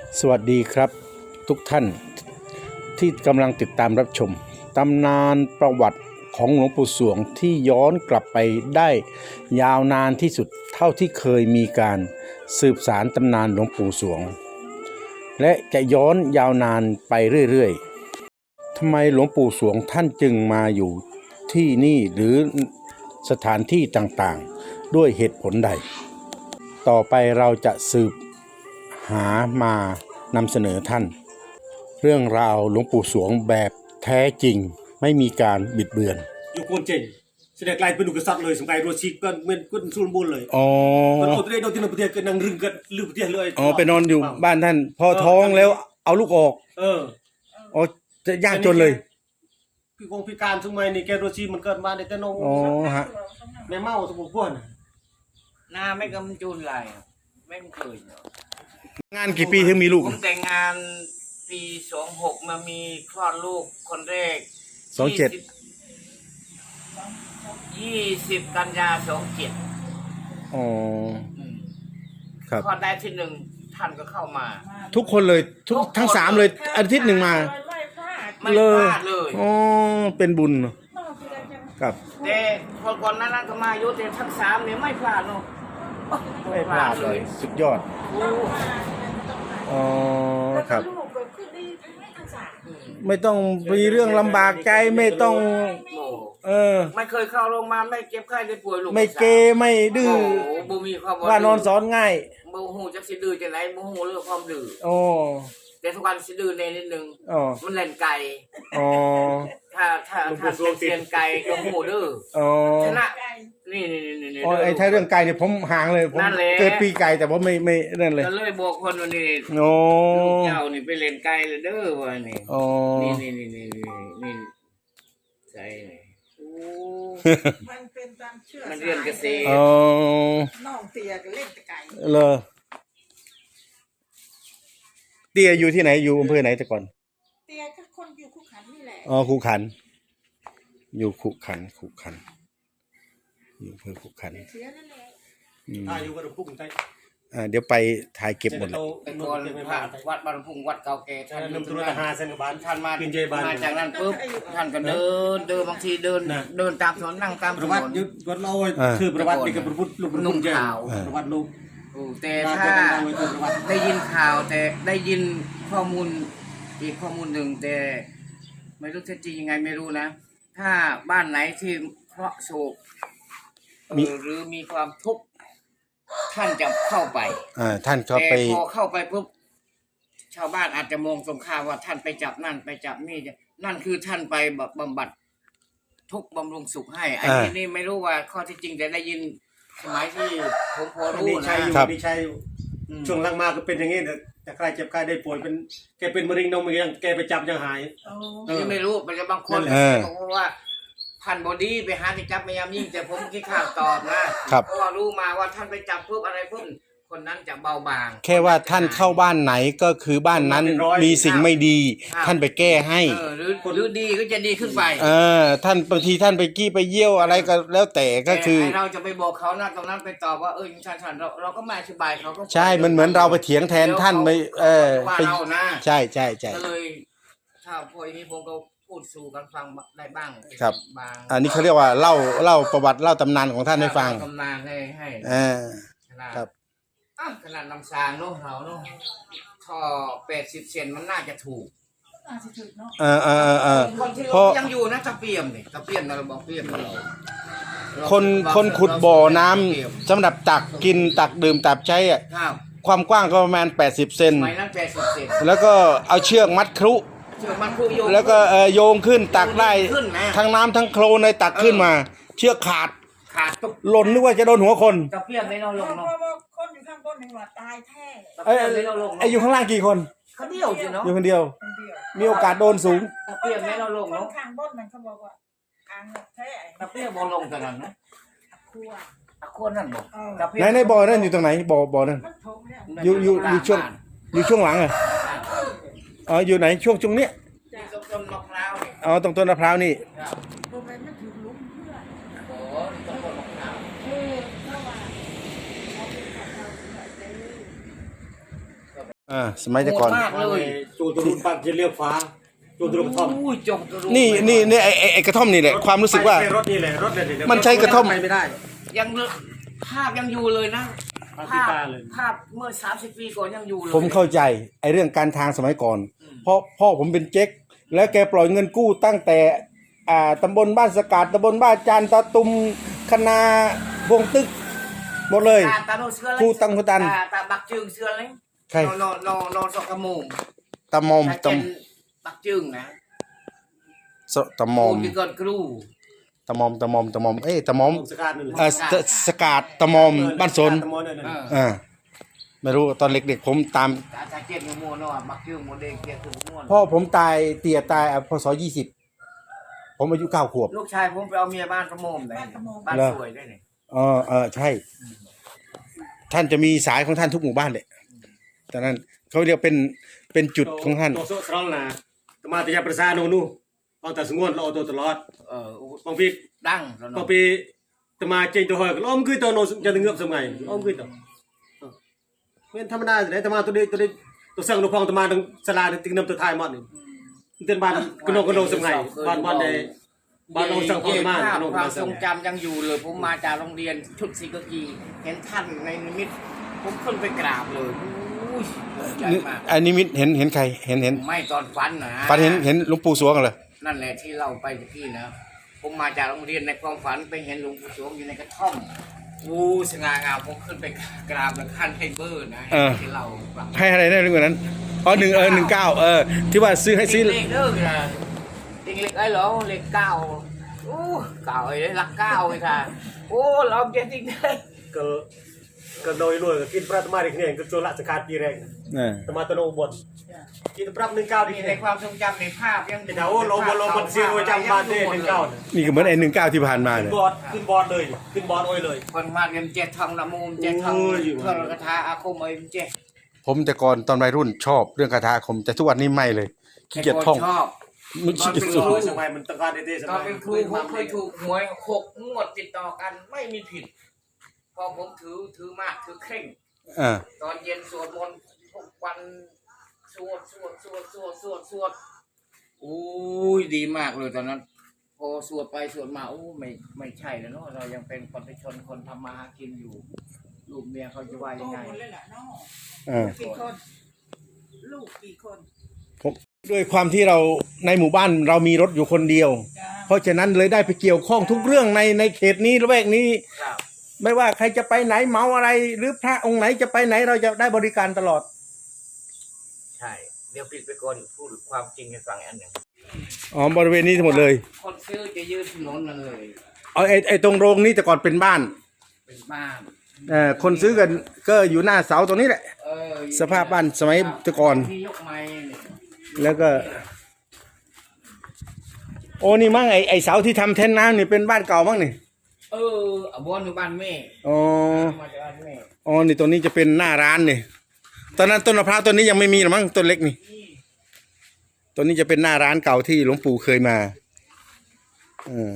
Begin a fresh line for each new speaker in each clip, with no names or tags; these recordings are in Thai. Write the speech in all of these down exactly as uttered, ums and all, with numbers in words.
สวัสดีครับทุกท่านที่กำลังติดตามรับชมตำนานประวัติของหลวงปู่สวงที่ย้อนกลับไปได้ยาวนานที่สุดเท่าที่เคยมีการสืบสารตำนานหลวงปู่สวงและจะย้อนยาวนานไปเรื่อยๆทำไมหลวงปู่สวงท่านจึงมาอยู่ที่นี่หรือสถานที่ต่างๆด้วยเหตุผลใดต่อไปเราจะสืบหามานำเสนอท่านเรื่องราวหลวงปู่สวงแบบแท้จริงไม่มีการบิดเบือน
อยู่โคนเจงแสดงกลายเป็นลูกกษัตริย์เลยสมัยโรชิก็เหมือนกุ้นซูนบุญเลย
อ๋อ
มันเอาตัวเองโดนที่นประเทศก็นั่งรึงกันลืมประเทศเลย
อ๋อไปนอนอยู่บ้านท่านพอท้องแล้วเอาลูกออก
เออ
อ๋อจะยากจนเลย
พี่คงพิการสมัยนี้แกโรชิมันเกิดมาในแต่นง
อ๋อฮะ
แม่เมาสมุนพวน
หน้าไม่กำจุนไรไม่เคย
งานกี่ปีถึงมีลูก
ผมแต่งงานปีสองหกมามีคลอดลูกคนแรก
สองเจ็ด
ยี่สิบกันยาสองเจ็ด
อ๋อครับ
คลอดได้ที่หนึ่งท่านก็เข้ามา
ทุกคนเลยทุกทั้งสามเลยอาทิตย์หนึ่งมา
ไม่พลาดเลย
อ๋อเป็นบุญครับ
แต่คนก่อนนั้นก็มาโยแต่ทั้งสามเนี่ยไม่พลาดเนาะ
ไม่พลาดเลยสุดยอดอ๋อครับไม่ต้องมีเรื่องลำบากใจไม่ต้องเออ
ไม่เคยเข้าโรงพยาบาลไม่เจ็บไข้ได้ป่วยลูก
ไม่เกไม่ดื้อว่านอนสอนง่าย
โมโหจะสิดื้อจะไหนโมโหเรื่องความดื้อ
โอ้
แต่ทุกวันสิดื้อในนิดนึงมันเล่นไก่
อ๋อ
ถ้าถ้าถ้าเป็นเซียนไก่ก็โมโหดื้อชนะนี่นี่นี่นี่
อ๋อไอ้ถ้าเรื่องไก่เนี่ยผมห่างเลยผมเกิดปีไก่แต่ว่าไม่ไม่นั่นเลย
ก็เลยบอกคนวันนี้
โอ้
เจ้านี่ไปเล่นไก่เลยเด้อวันนี้
อ๋อ
นี่นี่นี่นี่นี่ใช่
มันเป็นตามเชื่อ
มันเรียนเกษตร
น้องเตียก็เล่นแต่ไก่
เลยเตียอยู่ที่ไหนอยู่อำเภอไหนแต่ก่อน
เตียก็คนอยู่ขุขันนี่แหละ
อ๋อขุขันอยู่ขุขันขุขันอยู่อำเภอขุขัน
เสียนั่นแหละ
อ่าอยู่วัดพุ่งใต้
อ่าเดี๋ยวไปถ่ายเก็บหมดเลย
เป็นคนวัดบางพุ่งวัดเก่าแก่ท่าน
นำตุลาหาเซนบาน
ท่านมา
เป็นเจบาน
มาจากนั้นปุ๊บท่านก็เดินเดินบางทีเดินเดินตามถนนนั่งตามถนน
ประวัติยุทธวัดเราคือประวัตินี่ก็ประพุทธลูก
นุ่ง
ขาวประวัติลูก
แต่ถ้าได้ยินข่าวแต่ได้ยินข้อมูลอีกข้อมูลหนึ่งแต่ไม่รู้จริงยังไงไม่รู้นะถ้าบ้านไหนที่เคราะห์โศกหรือมีความทุกข์ท่านจะเข้าไป
อ่าท่านก็ไป
พอเข้าไปปุ๊บชาวบ้านอาจจะมองตรงข้ามว่าท่านไปจับนั่นไปจับนี่นั่นคือท่านไปบำบัดทุกบำรุงสุขให้ไอ้ที่นี่ไม่รู้ว่าข้อที่จริงแต่ได้ยินสมัยที่ผมพอรู้
นะครับดีชัยช่วงหลังมาก็เป็นอย่างนี้แต่ใครเจ็บใครได้ป่วยเป็นแกเป็นมะเร็งนมยังแกไปจับยังหาย
ยังไม่รู้มันจะบางคนเพราะว่าพันบอดี้ไปหาที่จับพยายามยิ่งแต่ผมคิดข่าวตอบนะเพราะว่ารู้มาว่าท่านไปจับเพิ่มอะไรเพิ่มคนนั้นจะเบาบาง
แค่ว่าท่านเข้าบ้านไหนก็คือบ้านนั้นมีสิ่งไม่ดีท่านไปแก้ให้
หรือหรือดีก็จะดีขึ้นไป
เออท่านบางทีท่านไปกี้ไปเยี่ยวอะไรก็แล้วแต่ก็คือ
เราจะไปบอกเขานะตรงนั้นไปตอบว่าเออท่านท่านเราเราก็ไม่อธิบายเขาก็
ใช่มันเหมือนเราไปเถียงแทนท่านไปเออ
ไป
ใช่ใช่ใช่
ก็เลยถ้าพออย่างนี้ผมก็พูดสู่กันฟังได้บ้าง
ครับอันนี้เขาเรียกว่าเล่าเล่าประวัติเล่าตำนานของท่านให้ฟัง
ตำนานให้ให้
อ่าครับ
ขนาดลำซางเนาะเราเนาะท่อแปดสิบเซนมันน่าจะถูก
เออเออเออ
เพราะยังอยู่นะตะเปียมเนี่ยตะเปียมเราบอกเปียมเรา
คนคนขุดบ่อน้ำสำหรับตักกินตักดื่มตักใช้อ่ะความกว้างก็ประมาณแปดสิบเซนแล้วก็เอาเชือกมัดครุแล้วก็โยงขึ้นตักได้ทั้งน้ำทั้งโคลนในตักขึ้นมาเชือกขาด
ขาด
หล่นนึกว่าจะโดนหัวคน
ตะเปียมไม่นอนลงเนาะ
คนอยู่ข้างบนหนึ่งว่าตายแท้
ไอ้ไอ้อยู่ข้างล่างกี่คน
คนเดียวเนาะ
อยู่คนเดียวมีโอกาสโดนสูง
ตะเปียมไม่นอนลงเนาะ
ข้างบนมันเขาบอกว่าอ่างแท้
ตะเปียมบอลงกันนะ
คั่ว
คั่วนั่นบอก
ไหนในบ่อนั่นอยู่ตรงไหนบ่อบ่อนั่นอยู่อยู่อยู่ช่วงอยู่ช่วงหลังอะอ๋ออยู่ไหนช่วงช่วงเนี้ย
ต้นมะพร้าว
อ๋อตรงต้นมะพร้าวนี่อ่าสมัยแต่ก่อน
โหดมากเลย
จูตรุนปักจะเลี้ยวฟ้าจูตรุนกระท่อม
อุ้ยจงตะลุ
นี่นี่นี่ไอ้ไอ้ไอ้กระท่อมนี่แหละความรู้สึกว่า
ไปรถนี่แหละรถเนี่ย
มันใช้กระท่อม
ไปไม่ได้
ยังภาพยังอยู่เลยนะ
ภาพที่
ภาพ
ตาเลย
ภาพเมื่อสามสิบปีก่อนยังอยู่เลย
ผมเข้าใจไอ้เรื่องการทางสมัยก่อน
อืม
เพราะพ่อผมเป็นเจ๊กแล้วแกปล่อยเงินกู้ตั้งแต่อ่าตำบลบ้านสกาดตำบลบ้านจานตะตุมคณาวงตึกหมดเลย
ตาตาโนเสือเลย
ครูตังครูตัน
ตาตาบักจึงเสือเลย
ใคร
นอนนอนนอนสอกกระโมง
ตะมอม
ถ้า
ตะ
เป็นบักจึงนะ
สตะมอม
โที่เกิดครู
ตะมอมตะมอมตะมอมเอ้ยตะมอม
สกัดนั่นแหละ
เอ่อสสกาดตะมอมบ้านสน
ตะมอนนั่น
เอ
น่ะ
อ
อ่าไม่รู้ตอนเด็กๆผมตาม
ตาตาเจ็ดมัวๆเนาะบักจึงมัวเด็กเจ็ดตัวมัว
พ่อผมตายเตี่ยตายอ่ะพศยี่สิบผมอายุเก้าขวบ
ลูกชายผมไปเอาเมียบ้านกระโมมเลยบ้านสวยด้วยนี่
เออเออใช่ ท่านจะมีสายของท่านทุกหมู่บ้านเลยตอนนั้นเขาเรียกเป็นเป็นจุดของท่าน
โตโซตรองนะตมาตยาประสาโนนูเอาแต่สงวนเราเอาตัวตลอด
เออบ
างปี
ดังแล้ว
บาง
เนาะ
ปีตมาเจงตัวหอยก็ล้อมคือตัวโนจะเงือบสมัยล้อมคือตัวเป็นธรรมดาแต่ตมาตัวนี้ตัวนี้ตัวสั่งตัวพองตมาตรงสลาตึงน้ำตัวไทยหมดนี่เตือนบ้านกนกกนกสมัยบ้านบ้านในบ้านเราสั่งพองตมา
ภาพ
กนก
ความ
มา
ท
สั่
รง งจำยังอยู่เลย ผมมาจากโรงเรียนชุดสีกากีเห็นท่านในนิมิตผมขึ้นไปกราบเลยอุ้ยใหญ่มาก
อันนี้มิตเห็นเห็นใครเห็นเห็น
ไม่ตอนฟันนะ
ฝันเห็นเห็นหลวงปู่สวงกันเลย
นั่นแหละที่เราไปเมื่อกี้นะผมมาจากโรงเรียนในความฝันไปเห็นหลวงปู่สวงอยู่ในกระท่อมอู้สง่างามผมขึ้นไปกราบแล้วขั้นให้เบอร์นะที่เราฟัง
ให้อะไรได้เรื่องนั้นอ๋อหนึ่งเออหนึ่งเก้าเออที่ว่าซื้อให้ซื้อ
เลขเด้อนะติงเลขไอ้เหรอเลขเก้าโอ้เก้าไอ้รักเก้าไอ้ค่ะโอ้เราเจ็ดจริงได้
ก็ก็โดยรวยก็กินปลาตมาอีกเนี่ยก็โจรละสกัดปีแรง
อ่า
ตมาตโนบนกินปรับหนึ่งเก้าดี
มีใน
เนี่ย
ความทรงจำในภาพยัง
เดี๋ยวโลบนโลบนซีรวยจำบ้านได้หนึ่งเก้า
นี่ก็เหมือนไอ้หนึ่งเก้าที่ผ่านมา
ขึ้
เล
น
ย
บอร์ดขึ้นบอร์ดเลยขึ้นบอร์ดโอ้ยเลย
คนมาเรียนเจ็ดทองละมุมเจ็ดทอง
โอ้ย
เพื่อกระทาอาคมเอ้ยเจ็ด
ผมแต่ก่อนตอนวัยรุ่นชอบเรื่องคาถาอาคมแต่ทุกวันนี้ไม่เลยขี้เกียจท่อง
ชอบ
มันขี้เกียจสุด
โอ้ยสมัยมันตะการเด้ๆส
ตอ
มัน ย
เป็นครูผมเคยถูกหวยหกงวดติดต่อกันไม่มีผิด พอผมถือถือมากถือเคร่ง
อ่า
ตอนเย็นสวดมนต์ทุกวันสวดสวดสวดสวดสวดสวดอุ้ยดีมากเลยตอนนั้น พอสวดไปสวดมาโอ้ไม่ไม่ใช่แล้วเนาะเรายังเป็นคนชนคนทำมาหากินอยู่ ลูกเมียเขาจะว่า
โต
ยังไง
หมดเลยแหละน้อง
อ่า
กี่คน ลูกกี่คน
ผมด้วยความที่เราในหมู่บ้านเรามีรถอยู่คนเดียว
จ้า
เพราะฉะนั้นเลยได้ไปเกี่ยวข้องทุกเรื่องในในเขตนี้ละแวกนี้
ครับ
ไม่ว่าใครจะไปไหนเมาอะไร หรือพระองค์ไหนจะไปไหนเราจะได้บริการตลอด
ใช่ เดี๋ยวปิดไปก่อนพูดความจริงให้ฟังอันหนึ่ง
อ๋อบริเวณนี้ทั้งหมดเลย
คนซื้อจะยืนถนนนั่นเลย
เอาไอ้ไอ้ตรงโรงนี้แต่ก่อนเป็นบ้าน
เป็นบ้าน
เอ่อคนซื้อกันก็อยู่หน้าเสาตรงนี้แหละ
เออ
สภาพบ้านสมัยแต่ก่อน
ที่ยกไม้เนี่ย
แล้วก็ โอ้นี่มั้งไอ้ไอ้เสาที่ทำแท่นน้ำนี่เป็นบ้านเก่ามั้งนี่
เออเอาบอนอยู่บ้านแม่
อ๋อ
มาจากบ้านแม่
อ๋อนี่ตัวนี้จะเป็นหน้าร้านนี่ตอนนั้นต้นมะพร้าวต้นนี้ยังไม่มีหรอมั้งต้นเล็กนี่ต้นนี้จะเป็นหน้าร้านเก่าที่หลวงปู่เคยมาเออ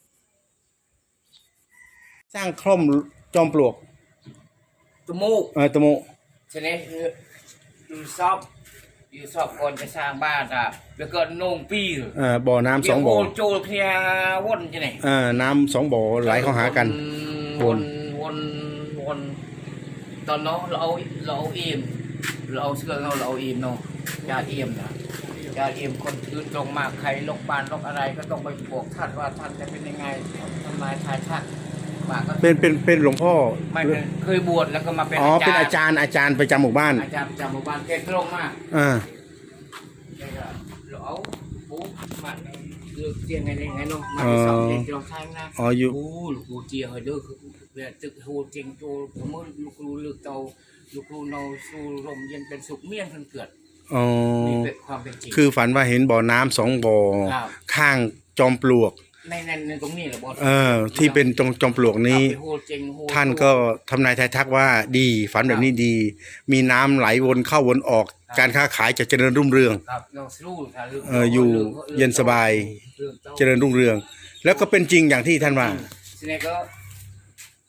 สร้างคล่อมจอมปลวก
จมูก
เออตะโม
ฉะนั้นคืออยู่ซอบอยู่ซอบคนจะสร้างบ้านอ่ะแล้วก็โหนงปี
เอ่อบ่อน้ำสองบ่อ
เดี๋ยวโโจลเพียวนจะไหน
เอ่อน้ำสองบ่อไหลเข้าหากัน
วนวนวนตอนน้องเราเอาเราเอาเอ็มเราเอาเสื้อเราเราเอาเอ็มเนาะยาเอ็มนะยาเอ็มคนถือตรงมากใครลงบานลงอะไรก็ต้องไปบอกท่านว่าท่านจะเป็นยังไงทำนายทายทักมาก็
เป็นเป็นเป็นหลวงพ่อ
ไม่เป็นเคยบวชแล้วก็มาเป็น
อ๋อ
อาจารย์
เป็นอาจารย์อาจารย์ประจำหมู่บ้าน
อาจารย์ประจำหมู่บ้านแกตรงมาก
อ่า
แกก็เราเอาปุ๊บมาเลือกเตียงไงไงเนาะมาที่สองเตียงที่เราใช้นะ
อ๋ออยู่
โอ้ลูกกูเจียเฮ้ยเด้อคือเวลาตึกโหเจียงโตผมเมื่อลูกกูเลือกเตาลูกกูเนาสู้ลมเย็นเป็นสุขเมี่ยงเพิ่นเกิด
อ๋อ
นี่เป็นความเป็นจริง
คือฝันว่าเห็นบ่อน้ำสองบ่อ
ครับ
ข้างจอมปลวก
ในในในตรงนี้แหละบอส
เออ ที่เป็นตรงจอมปลวกนี้
โหเจียงโห
ท่านก็ทำนายทายทักว่าดีฝันแบบนี้ดี มีน้ำไหลวนเข้าวนออก การค้าขายจะเจริญรุ่งเรือง
ครับเราสู้ค่ะรื่อง
เอออยู่
รื่อง
เย็นสบาย
เรื่องต้า
เจริญรุ่งเรือง แล้วก็เป็นจริงอย่างที่ท่านว่า
ทีนี้ก็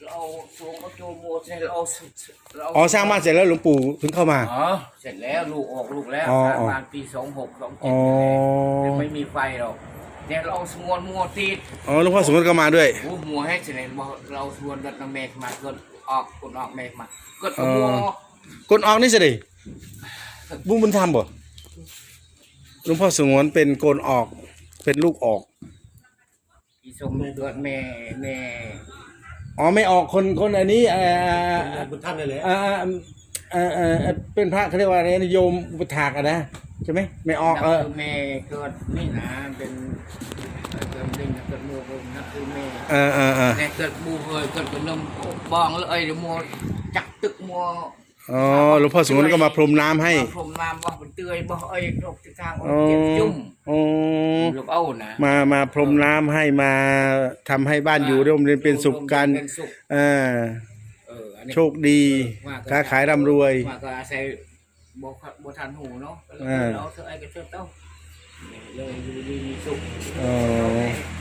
เราสวงเขาโจมโมเสร็จเราเรา
อ๋อสร้างบ้านเสร็จแล้วหลวงปู่ถึงเข้ามา
อ๋อเสร็จแล้วลูกออกลูกแล้ว
อ๋อ
สร้าง
อ๋อ
บ้านปีสองหกสอง
อ๋
เจ็ด
อ
ไม่มีไฟหรอกเนี่ยเราสวงมัวติด
อ๋อหลวงพ่อสมมติก็มาด้วย
โอ้มัวให้เสร็จบอกเราสวงดัดน้ำเมฆมาเกิดออกกดออกเมฆมาเกิด
อ๋อ
มัว
กนออกนี่สิดิบุญบุญธรรมบ่หลวงพ่อสงวนเป็นโกนออกเป็นลูกออก
อีสมเกิดแม่แม่
อ๋อไม่ออกคนคนอันนี้เอ่อ
บุญท่านนี่แหละ
เอ่อเอ่อเอ่อเอ่อเป็นพระเขาเรียกว่าอะไรนะโยมอุปถากอะนะใช่ไหมไม่ออกเออ
คือแม่เกิดนี่นะเป็นเกิดลิงเกิดมัวเป็นนักคือแม่
เออเออเออ
แต่เกิดบูเฮยเกิดกับนมบองเลยเดี๋ยวมัวจักตึกมัว
อ๋อหลวงพ่อสงวนก็มาพรมน้ำให้
พรมน้ำบ่เป็นเตยบ่เอ้ยตกที่ทาง
อ๋อ
เจ็บจุ่ม
อ๋อ
ลูกเอ้านะ
มามาพรมน้ำให้มาทำให้บ้านอยู่ร่มเรียนเป็นสุขกัน
เป็นสุข
เออ
เอออันนี้
โชคดีค้าขายร่ำรวย
มาก็อาศัยบ่บ่ทันหูเนาะก็เลย
อ่า
เอาเธอไอ้ก็เชิญเต้าเลยอยู่ดีมีสุข
อ๋อ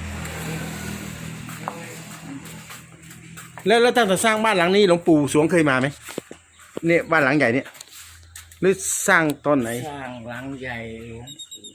แล้วแล้วตั้งแต่สร้างบ้านหลังนี้หลวงปู่สวงเคยมาไหมเนี่ยบ้านหลังใหญ่เนี่ยหรือสร้างตอนไหน
สร้างหลังใหญ่หลวง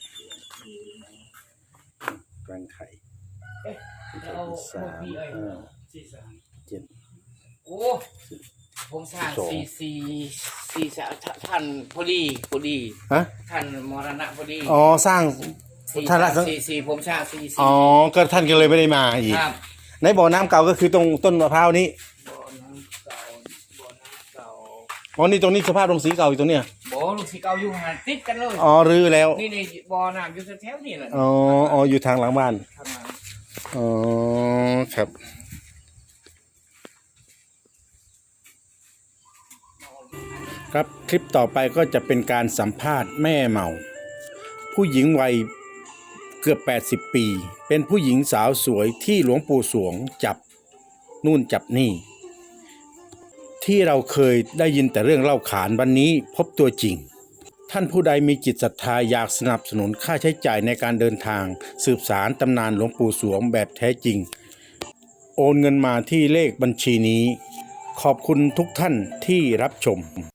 กลางไข่
เอาพวกพี่เอ้ย
เจ็ด
โอ้ผมสร้าง
สอง
สี่สี่สี่สามท่านพอดีพอดี
ฮะ
ท่านมรณะพอดี
อ๋อสร้าง
สี่
ท่านละ
สามสี่สี่ผมสร้างสี่สี่
อ๋อก็ท่านก็เลยไม่ได้มาอีก
ครับ
ในบ่อน้ำเก่าก็คือตรงต้นมะพร้าวนี้
บ่อน้ำเก่าบ่อน้ำเก่า
อ๋อนี่ตรงนี้สภาพตรงสีเก่าอยู่ตรงเนี้ย
บ่อลูกสีเก่าอยู่ห่างติดกันเลย
อ๋อรื้อแล้ว
นี่นี่บ่อน้ำอยู่แถวๆนี่แหละ
อ๋ออ๋ออยู่ทางหลังบ้าน
ข้างหลัง
อ๋อครับครับคลิปต่อไปก็จะเป็นการสัมภาษณ์แม่เมา ผู้หญิงวัยเกือบแปดสิบปี เป็นผู้หญิงสาวสวยที่หลวงปู่สวงจับนู่นจับนี่ ที่เราเคยได้ยินแต่เรื่องเล่าขานวันนี้พบตัวจริง ท่านผู้ใดมีจิตศรัทธาอยากสนับสนุนค่าใช้จ่ายในการเดินทางสืบสารตำนานหลวงปู่สวงแบบแท้จริง โอนเงินมาที่เลขบัญชีนี้ ขอบคุณทุกท่านที่รับชม